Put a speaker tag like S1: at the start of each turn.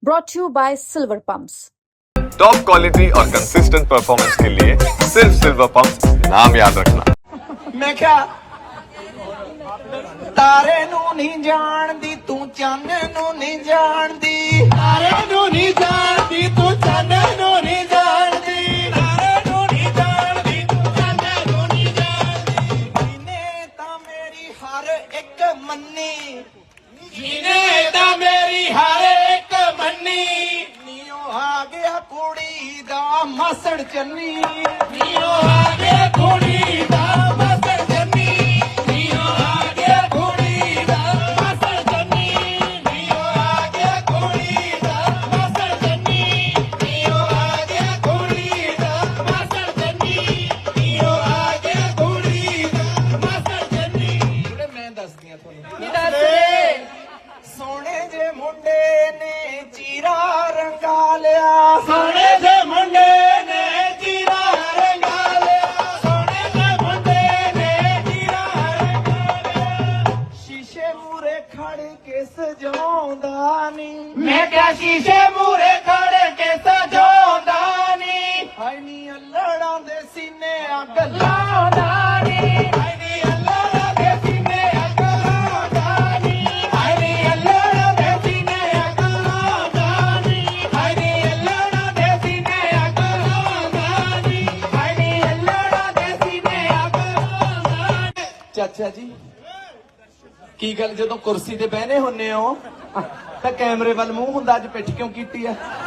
S1: brought to you by Silver Pumps.
S2: Top quality और consistent performance के लिए सिर्फ सिल्वर पंप्स नाम याद रखना।
S3: मैं क्या तारे नू नहीं जानदी तू चन्न नू नहीं जानदी, तारे नू नहीं जानदी तू चन्न नू नहीं जानदी, तारे नू नहीं जानदी तू चन्न नू नहीं जानदी। जीने ता मेरी हर एक मन्नी, जीने ता मेरी हर एक मन्नी, नीओ आ गया कुड़ी दा मसड़ चन्नी, नीओ आ गया कुड़ी दा मसड़ चन्नी, नीओ आ गया कुड़ी दा मसड़ चन्नी, नीओ आ गया कुड़ी दा मसड़ चन्नी, नीओ आ गया कुड़ी दा मसड़ चन्नी, नीओ आ गया कुड़ी दा मसड़ चन्नी। थोड़े मैं दस दिया थोड़ी सोने जे मुंडे ने चीरा रंगा लिया, सोने जे मुंडे ने चीरा रंगा लिया, सोने जे मुंडे ने चीरा रंगा लिया। शीशे मूरे खड़ के सजाउंदा नी, मैं क्या शीशे मूरे खड़ के सजाउंदा नी, हाय नी अल्लड़ां दे सीने अग लाउंदा नी, हाय नी अल्लड़ां दे सीने अग लाउंदा नी, हाय नी अल्लड़ां दे सीने अग लाउंदा नी, हाय नी अल्लड़ां दे सीने अग लाउंदा नी, हाय नी अल्लड़ां दे सीने अग लाउंदा नी। चाचा जी की गल जदों कुर्सी ते बहने हुन्ने हो तां कैमरे वल मूंह हुंदा, अज पिठ क्यों कीती है?